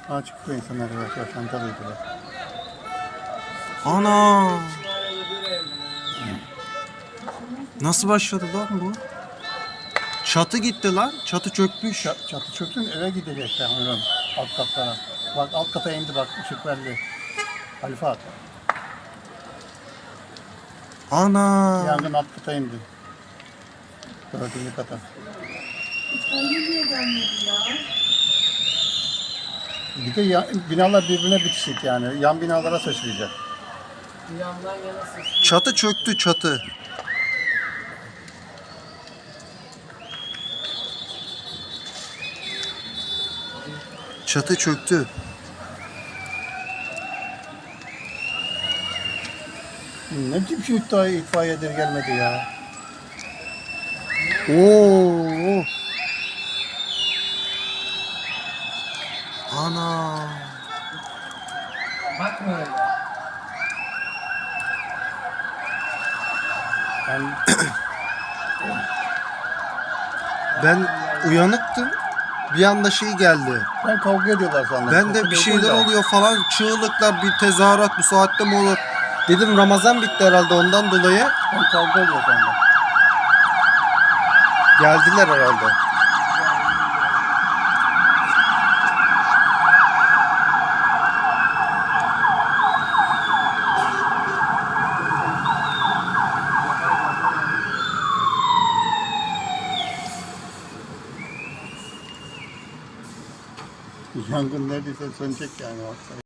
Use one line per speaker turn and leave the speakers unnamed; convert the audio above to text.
Çıkıyor insanlar yavaş yavaş Antalya'da.
Ana! Nasıl başladı lan bu? Çatı gitti lan. Çatı çökmüş.
Çatı çöktün eve gidecekler hemen alt katlara. Bak alt kata indi bak ışık verdi. Halife at.
Ana!
Yangın alt kata indi. Dördüncü kata. Bir de binalar birbirine bitişik yani. Yan binalara sıçrayacak.
Yandan yana sıçrıyor.
Çatı çöktü çatı. Çatı çöktü.
Ne biçim şu itfaiyedir gelmedi ya.
Oo! Ana!
Bakma öyle.
Ben,
Ben uyanıktım. Bir anda şey geldi.
ben kavga ediyorlar sandım.
Ben de bir şeyler oluyor falan. Çığlıklar, bir tezahürat bu saatte mi olur? Dedim Ramazan bitti herhalde ondan dolayı.
Ben kavga oluyor sandım.
Geldiler herhalde.
Yangın neredeyse sönecek yani.